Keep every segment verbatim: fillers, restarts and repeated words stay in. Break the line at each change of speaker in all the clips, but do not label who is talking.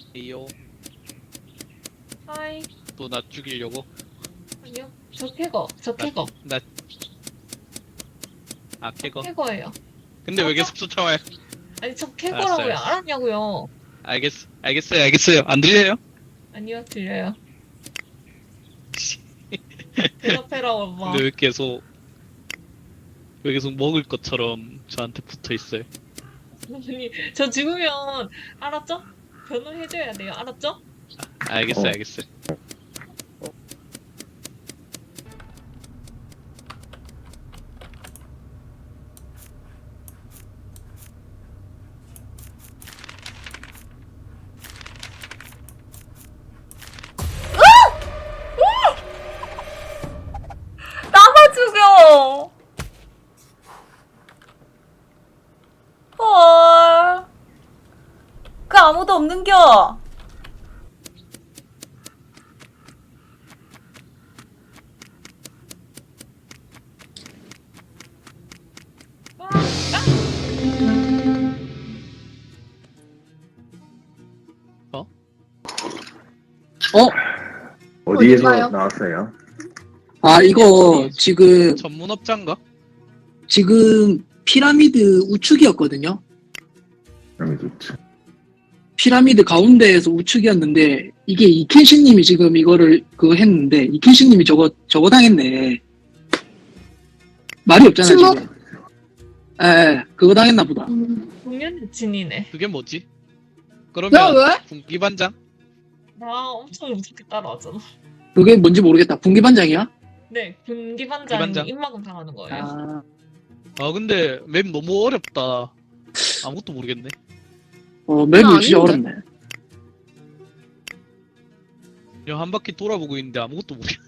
이요.
하이.
또 나 죽이려고?
아니요. 저 캐거. 저
나,
캐거.
나, 아, 캐거?
캐거예요.
근데 왜 계속 쫓아와요?
아니, 저
알았어요,
캐거라고요.
알았어.
알았냐고요.
알겠어, 알겠어요, 알겠어요. 안 들려요?
아니요, 들려요. 대답해라, 엄마.
근데 왜 계속, 왜 계속 먹을 것처럼 저한테 붙어 있어요?
아니, 저 죽으면, 알았죠? 변호해줘야 돼요. 알았죠?
알겠어요,
어.
알겠어요.
나만 죽여. 헐. 그 아무도 없는겨.
아, 아!
어?
어?
어디에서
어딘가요?
나왔어요?
아, 이거 지금,
전문업자인가?
지금 피라미드 우측이었거든요?
그럼 좋죠.
피라미드 가운데에서 우측이었는데, 이게 이켄시님이 지금 이거를 그거 했는데, 이켄시님이 저거, 저거 당했네. 말이 없잖아,
침묵?
지금. 에, 그거 당했나 보다.
공연 여친이네.
그게 뭐지?
야,
그러면,
왜?
군기반장?
나 엄청 무섭게 따라왔잖아.
그게 뭔지 모르겠다. 분기반장이야?
네, 군기반장
군기반장.
입막음 당하는 거예요.
아,
아, 근데 맵 너무 어렵다. 아무것도 모르겠네.
어, 맵이
나
진짜
아닌데?
어렵네.
그냥 한 바퀴 돌아보고 있는데 아무것도 모르겠네.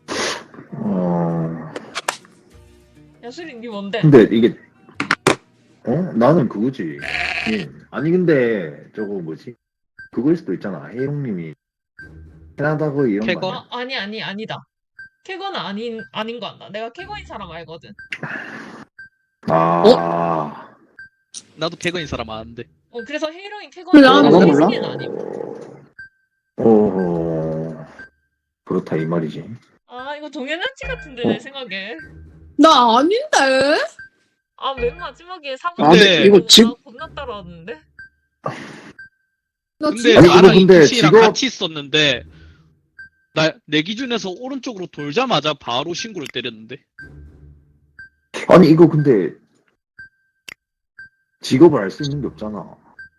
어,
야수린, 니 뭔데?
근데 이게, 어? 나는 그거지. 예. 아니, 근데, 저거 뭐지? 그거일 수도 있잖아. 혜용님이. 캐나다고 이런
캐거?
거 아니야?
아, 아니, 아니, 아니다. 캐거는 아닌, 아닌 거 같다. 내가 캐거인 사람 알거든.
아,
나도 개그인 사람 아는데.
어, 그래서 헤이로인 캐거는
몰라,
나 몰라.
야수린은 아님.
어, 그렇다, 이 말이지.
아, 이거 동현아치 같은데, 내 생각에.
나 아닌데?
아, 맨 마지막에 사고
아,
근데
이거 집-
겁나 따라왔는데?
나
근데
진짜
아니,
나랑
이거 근데
이키씨랑
직업-
같이 있었는데 나 내 기준에서 오른쪽으로 돌자마자 바로 신고를 때렸는데.
아니, 이거 근데, 직업을 알 수 있는 게 없잖아.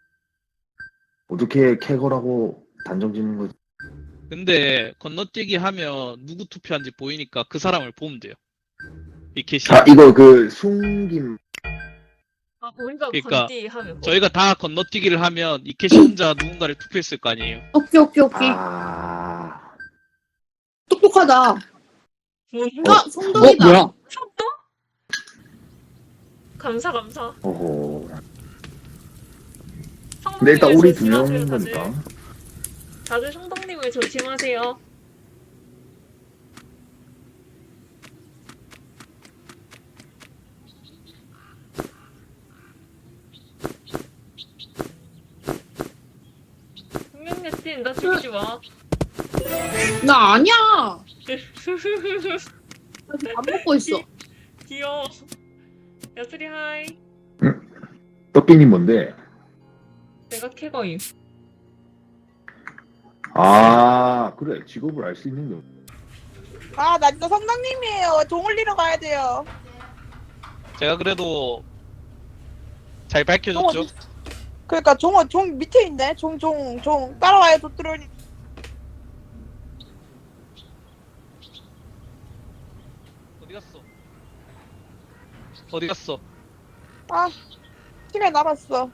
어떻게 캐거라고 단정 짓는 거지?
근데 건너뛰기 하면 누구 투표한지 보이니까 그 사람을 보면 돼요. 이케씨.
아, 이거 그, 숨김,
아, 우리가
그러니까
건띠 하면 뭐.
저희가 다 건너뛰기를 하면 이케씨 혼자 누군가를 투표했을 거 아니에요.
오케이 오케이 오케이
아,
똑똑하다.
뭔가?
아
어,
성동이다.
뭐야?
성동? 감사, 감사.
어허.
성동님을
근데 일단 우리 두
조심하세요,
명인
다들.
거니까.
다들 성동님을 조심하세요. 분명히 나 죽이지 마.
나 아니야. 나 지금 밥 먹고 있어.
귀여워. 야수리 하이.
떡비님 뭔데?
내가 캐거임.
아, 그래. 직업을 알 수 있는 게 없-
아, 나 진짜 성당님이에요. 종 올리러 가야 돼요.
제가 그래도 잘
종
밝혀줬죠.
어디? 그러니까 종, 종 밑에 있네. 종, 종, 종. 따라와요, 도트로니.
어디 갔어? 어디 갔어?
아, 시간 남았어.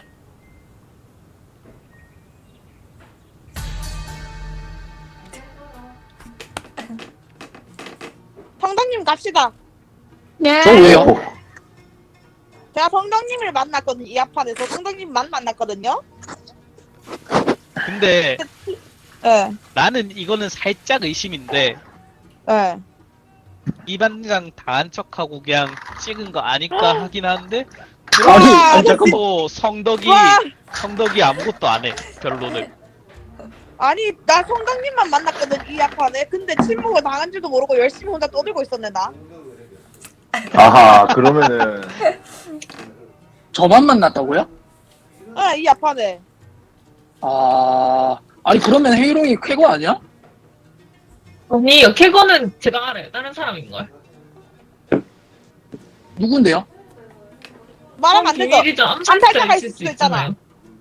성당님 갑시다.
예.
저 왜요?
어,
제가 성당님을 만났거든요. 이 아판에서 성당님만 만났거든요.
근데
예,
나는 이거는 살짝 의심인데
예.
이 반장 다 한 척하고 그냥 찍은 거 아닐까 하긴 하는데
아니,
와,
아니, 잠깐만.
또 성덕이
와,
성덕이 아무것도 안 해. 별로는.
아니 나 성덕님만 만났거든 이 앞판에. 근데 침묵을 당한 줄도 모르고 열심히 혼자 떠들고 있었네 나.
아하, 그러면은
저만 만났다고요?
아, 이 앞판에.
아, 아니 그러면 헤이롱이 쾌거 아니야?
아니요, 캐거는 제가 알아요. 다른 사람인걸.
누군데요?
말하면 안 되죠.
비밀이죠.
암살자가
암살자
있을 수도 있잖아.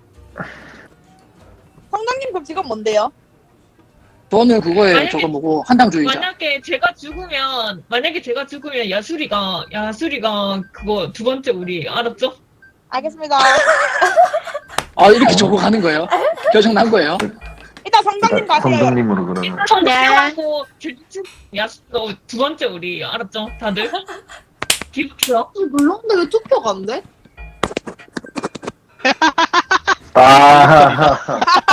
성덕님 그럼 직업 뭔데요?
저는 그거에
만약에-
저거 뭐고 한당주의자.
만약에 제가 죽으면 만약에 제가 죽으면 야수리가 야수리가 그거 두 번째 우리 알았죠?
알겠습니다.
아 이렇게 저거 가는 거예요? 결정 난 거예요?
일단 성덕님
일단
가세요.
성덕님으로 그러면.
일단 성격하고 야수 두 번째 우리 알았죠? 다들 기억해요?
물론데 왜 투표가 안 돼?
아,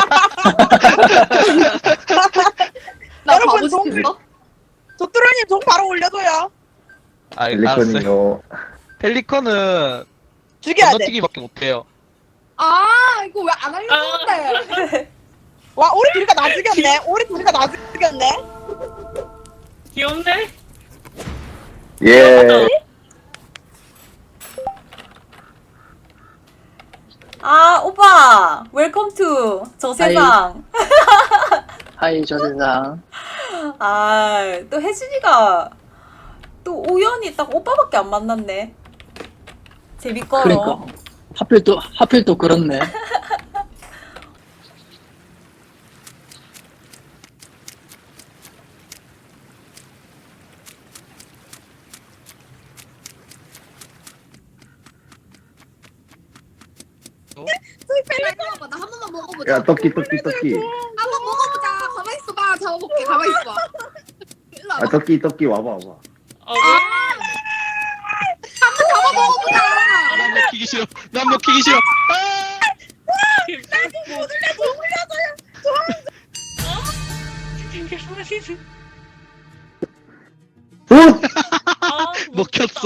나
여러분,
바보
동-
시켰어?
조뚜루님 종 바로 올려줘요.
아, 알았어요.
펠리컨이요.
펠리컨은
죽여야 돼.
건너뛰기밖에 못해요.
아 이거 왜 안 알려줬는데?
와 우리 둘이가 나 죽였네. 우리 둘이가 나 죽였네.
귀엽네?
예.
아, 오빠! 웰컴 투 저 세상.
하이 저 세상.
아, 또 혜진이가 또 우연히 딱 오빠밖에 안 만났네. 재밌거요.
그러니까 하필 또 하필 또 그렇네.
펠리콘 나한 번만 먹어보자.
야, 떡기, 떡기, 떡기.
한번 먹어보자. 가만 있어봐. 잡아볼게. 가만 있어. 일로
아,
와봐.
떡기, 떡기 와봐, 와봐.
아, 왜?
잡아 먹어보자.
아, 난 먹히기 싫어. 난 먹히기 싫어. 아!
어?
아,
먹혔어.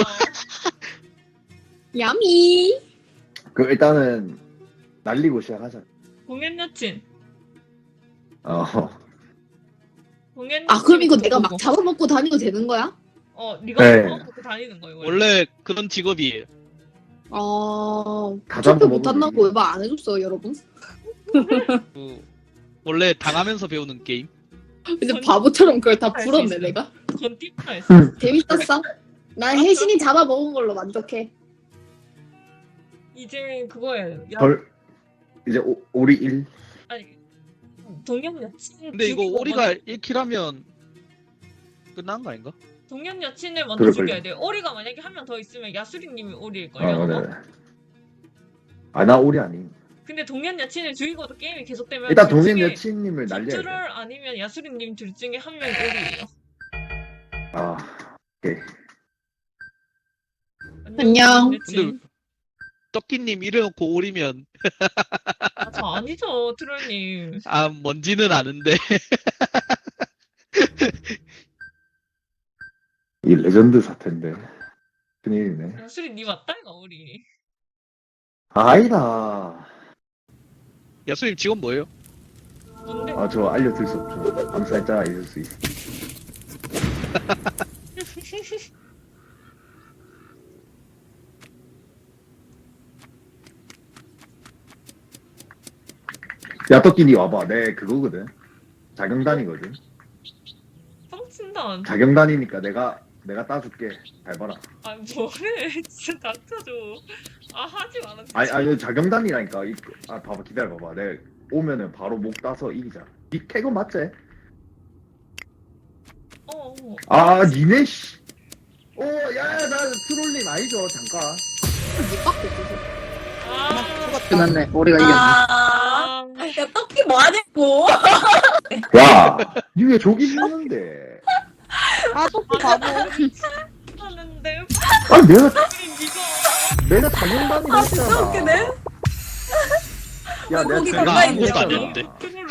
야미.
그 일단은 날리고 시작하자.
공연 여친.
어.
공연 여친.
아 그럼 이거 내가 막 잡아먹고 다니도 되는 거야?
어, 네가
네.
먹고 다니는 거예요. 원래.
원래 그런 직업이에요.
어.
다
투표
잡아먹으면
못한다고
이기네.
왜 말 안 해줬어요 여러분?
그 원래 당하면서 배우는 게임.
근데 바보처럼 그걸 다
할수
풀었네
있어요.
내가.
그건 팁다 했어.
재밌었어. 난 혜진이 잡아먹은 걸로 만족해.
이제 그거예요. 야,
벌 이제 오, 오리 일.
아니 동년 여친.
근데 이거
죽이고
오리가
먼저-
일 킬 하면 끝난 거 아닌가?
동년 여친을 먼저
그럴걸요.
죽여야 돼요. 오리가 만약에 한 명 더 있으면 야수리님이 오리일
아,
거예요.
그래. 아, 나 오리 아니.
근데 동년 여친을 죽이고도 게임이 계속되면
일단
둘
동생
중에
여친님을 날려야
김주를
돼.
아니면 야수리님 둘 중에 한 명이 오리예요.
아, 오케이.
안녕.
근데 떡기님 이래놓고 오리면
아, 저 아니죠, 트롤님.
아 뭔지는 아는데.
이 레전드 사태인데. 큰일이네.
야수리 니 맞다 이거 오리.
아, 아니다.
야수님 직업 뭐예요?
뭔데?
아, 저 알려줄 수 없죠. 암살자 있을 수 있어. 야, 떡기 니 와봐. 내 그거거든. 자경단이거든.
뻥친다.
자경단이니까 내가 내가 따줄게. 잘 봐라.
아 뭐래? 진짜 닥쳐줘. 아 하지 마라. 진짜.
아니 아니 자경단이라니까. 이- 아 봐봐 기다려 봐봐. 내가 오면은 바로 목 따서 이기자. 니 캐거 맞지?
어, 어.
아 니네 씨. 오 야야 나 트롤님 아니죠 잠깐.
니밖에 없어.
아,
끝났네. 우리가 이겼네.
아,
아,
야, 떡기 뭐하냐고.
야, 니 왜 저기 있는데?
아 토끼 바보.
하는데
아니 내가
우리 니가
내가 자경단이
아, 진짜
했잖아.
웃기네.
야 내가
거기
자경단이
가까이
아무것도
했잖아.
아니었는데.
트롤